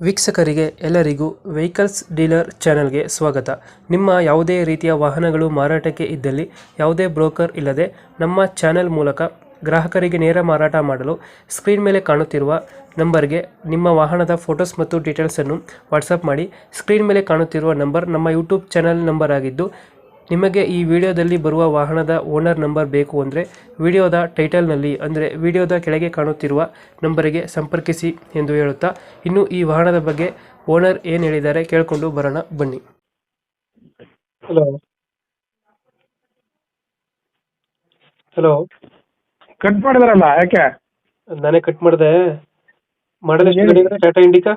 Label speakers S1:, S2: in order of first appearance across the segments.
S1: ವೀಕ್ಷಕರಿಗೆ ಎಲ್ಲರಿಗೂ vehicles dealer ಚಾನೆಲ್ಗೆ ಸ್ವಾಗತ. ನಿಮ್ಮ ಯಾವುದೇ ರೀತಿಯ ವಾಹನಗಳು ಮಾರಾಟಕ್ಕೆ ಇದ್ದಲ್ಲಿ ಯಾವುದೇ ಬ್ರೋಕರ್ ಇಲ್ಲದೆ ನಮ್ಮ ಚಾನೆಲ್ ಮೂಲಕ ಗ್ರಾಹಕರಿಗೆ ನೇರ ಮಾರಾಟ ಮಾಡಲು ಸ್ಕ್ರೀನ್ ಮೇಲೆ ಕಾಣುತ್ತಿರುವ ನಂಬರ್ಗೆ ನಿಮ್ಮ ವಾಹನದ ಫೋಟೋಸ್ ಮತ್ತು ಡೀಟೇಲ್ಸನ್ನು ವಾಟ್ಸಪ್ ಮಾಡಿ. ಸ್ಕ್ರೀನ್ ಮೇಲೆ ಕಾಣುತ್ತಿರುವ ನಂಬರ್ ನಮ್ಮ ಯೂಟ್ಯೂಬ್ ಚಾನೆಲ್ ನಂಬರ್ ಆಗಿದ್ದು, ನಿಮಗೆ ಈ ವಿಡಿಯೋದಲ್ಲಿ ಬರುವ ವಾಹನದ ಓನರ್ ನಂಬರ್ ಬೇಕು ಅಂದರೆ ವಿಡಿಯೋದ ಟೈಟಲ್ನಲ್ಲಿ ಅಂದರೆ ವಿಡಿಯೋದ ಕೆಳಗೆ ಕಾಣುತ್ತಿರುವ ನಂಬರಿಗೆ ಸಂಪರ್ಕಿಸಿ ಎಂದು ಹೇಳುತ್ತಾ, ಇನ್ನು ಈ ವಾಹನದ ಬಗ್ಗೆ ಓನರ್ ಏನು ಹೇಳಿದ್ದಾರೆ ಕೇಳಿಕೊಂಡು ಬರೋಣ ಬನ್ನಿ. ಹಲೋ ಹಲೋ
S2: ಕಟ್ ಮಾಡಿದ್ರಲ್ಲ ಯಾಕೆ?
S1: ನಾನೇ ಕಟ್ ಮಾಡಿದೆ. ಮಾಡಲ್ ಎಷ್ಟು ಗಾಡಿ ಇದೆ? ಟಾಟಾ ಇಂಡಿಕಾ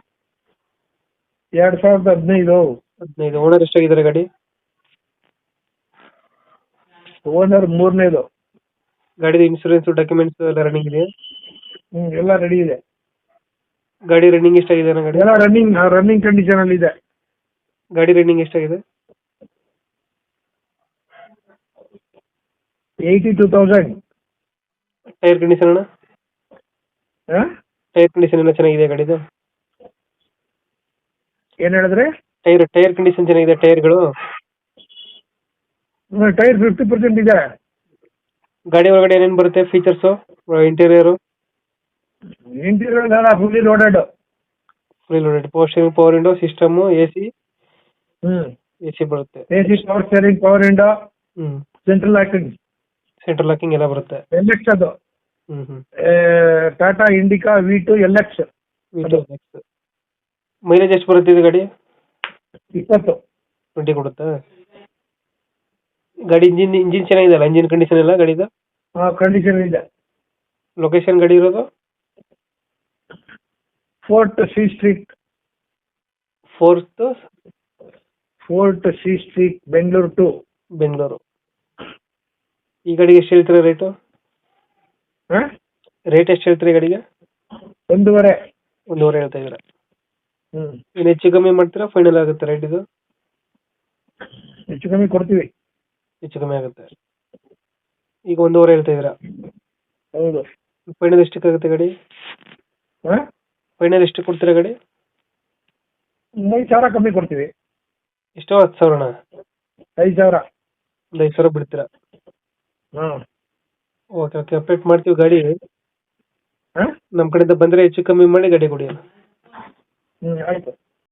S2: 2015.
S1: 15. ಓನರ್ ಎಷ್ಟಾಗಿದ್ದಾರೆ ಗಾಡಿ?
S2: ಓನರ್ 3ನೇದು.
S1: ಗಾಡಿದ ಇನ್ಶೂರೆನ್ಸ್ ಡಾಕ್ಯುಮೆಂಟ್ಸ್ ಎಲ್ಲ ರನ್ನಿಂಗ್ ಇದೆಯಾ?
S2: ಎಲ್ಲ ರೆಡಿ ಇದೆ.
S1: ಗಾಡಿ ರನ್ನಿಂಗ್ ಎಷ್ಟಾಗಿದೆ ಅಣ್ಣ? ಗಾಡಿ
S2: ಎಲ್ಲ ರನ್ನಿಂಗ್ ಕಂಡೀಷನ್ ಅಲ್ಲಿ ಇದೆ.
S1: ಗಾಡಿ ರನ್ನಿಂಗ್ ಎಷ್ಟಾಗಿದೆ?
S2: 82,000.
S1: ಟೈರ್ ಕಂಡೀಷನ್ ಅಣ್ಣ? ಟೈರ್ ಕಂಡೀಷನ್ ಎಲ್ಲ ಚೆನ್ನಾಗಿದೆ ಗಾಡಿದು?
S2: ಏನ್ ಹೇಳಿದ್ರೆ?
S1: ಟೈರ್ ಕಂಡೀಷನ್ ಚೆನ್ನಾಗಿದೆ ಟೈರ್ಗಳು?
S2: ಟೈರ್ 50% ಇದೆ.
S1: ಗಾಡಿ ಒಳಗಡೆ ಏನೇನು ಬರುತ್ತೆ features? Interior
S2: fully loaded.
S1: Power window system, AC ಬರುತ್ತೆ.
S2: AC, power steering, power window,
S1: hmm
S2: central locking
S1: ಎಲ್ಲ ಬರುತ್ತೆ.
S2: LX ಅದು.
S1: Hmm
S2: Tata Indica V2 LX.
S1: Mileage ಎಷ್ಟು ಬರುತ್ತೆ ಇದು ಗಾಡಿ?
S2: 20.
S1: 20 ಕೊಡುತ್ತಾ? ಗಾಡಿ ಇಂಜಿನ್ ಚೆನ್ನಾಗಿದೆಯಲ್ಲ? ಇಂಜಿನ್ ಕಂಡೀಷನ್ ಎಲ್ಲ ಗಾಡಿದು?
S2: ಕಂಡೀಷನ್ ಇದೆ.
S1: ಲೊಕೇಶನ್ ಗಾಡಿ ಇರೋದು?
S2: Fort C Street. Fort C Street, Bengaluru 2.
S1: Bengaluru. ಈ ಗಾಡಿಗೆ ಎಷ್ಟು ಹೇಳ್ತೀರಾ ರೇಟು? ರೇಟ್ ಎಷ್ಟು ಹೇಳ್ತೀರಿ ಗಾಡಿಗೆ?
S2: 1.5
S1: ಹೇಳ್ತಾ ಇದ್ದೀರಾ? ಇನ್ನು ಹೆಚ್ಚು ಕಮ್ಮಿ ಮಾಡ್ತೀರಾ? ಫೈನಲ್ ಆಗುತ್ತೆ ರೇಟ್ ಇದು?
S2: ಹೆಚ್ಚು ಕಮ್ಮಿ ಕೊಡ್ತೀವಿ.
S1: ಹೆಚ್ಚು ಕಮ್ಮಿ ಆಗುತ್ತೆ. ಈಗ 1.5 ಹೇಳ್ತಾ ಇದ್ದೀರಾ?
S2: ಹೌದು.
S1: ಫೈನಲ್ ಎಷ್ಟಕ್ಕೆ ಆಗುತ್ತೆ ಗಾಡಿ? ಫೈನಲ್ ಎಷ್ಟು ಕೊಡ್ತೀರಾ ಗಾಡಿ?
S2: 5,000 ಕಮ್ಮಿ ಕೊಡ್ತೀವಿ.
S1: ಎಷ್ಟೋ? 10,000?
S2: 5,000.
S1: ಒಂದು 5,000 ಬಿಡ್ತೀರಾ?
S2: ಹಾಂ.
S1: ಓಕೆ ಅಪ್ಡೇಟ್ ಮಾಡ್ತೀವಿ ಗಾಡಿ. ನಮ್ಮ ಕಡೆಯಿಂದ ಬಂದರೆ ಹೆಚ್ಚು ಕಮ್ಮಿ ಮಾಡಿ ಗಾಡಿ ಕೊಡಿ.
S2: ಆಯಿತು.